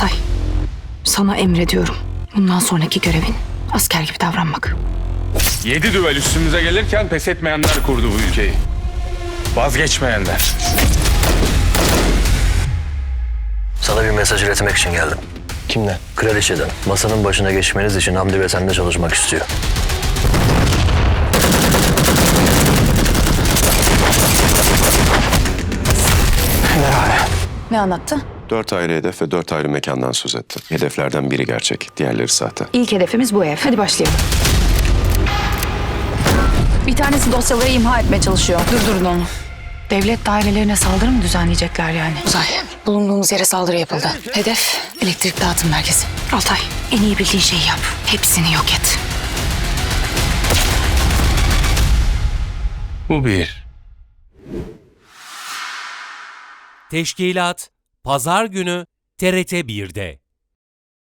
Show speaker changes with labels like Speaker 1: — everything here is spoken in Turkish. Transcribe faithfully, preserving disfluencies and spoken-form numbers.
Speaker 1: Altay, sana emrediyorum. Bundan sonraki görevin asker gibi davranmak.
Speaker 2: Yedi düvel üstümüze gelirken pes etmeyenler kurdu bu ülkeyi. Vazgeçmeyenler.
Speaker 3: Sana bir mesaj iletmek için geldim.
Speaker 4: Kimden?
Speaker 3: Kraliçeden. Masanın başına geçmeniz için Hamdi ve sende çalışmak istiyor.
Speaker 1: Ne anlattı?
Speaker 5: Dört ayrı hedef ve dört ayrı mekandan söz etti. Hedeflerden biri gerçek, diğerleri sahte.
Speaker 1: İlk hedefimiz bu ev. Hadi başlayalım. Bir tanesi dosyaları imha etmeye çalışıyor. Durdurun onu. Devlet dairelerine saldırı mı düzenleyecekler yani? Uzay, bulunduğumuz yere saldırı yapıldı. Hedef elektrik dağıtım merkezi. Altay, en iyi bildiğin şeyi yap. Hepsini yok et.
Speaker 2: Bu bir.
Speaker 6: Teşkilat Pazar günü T R T bir'de.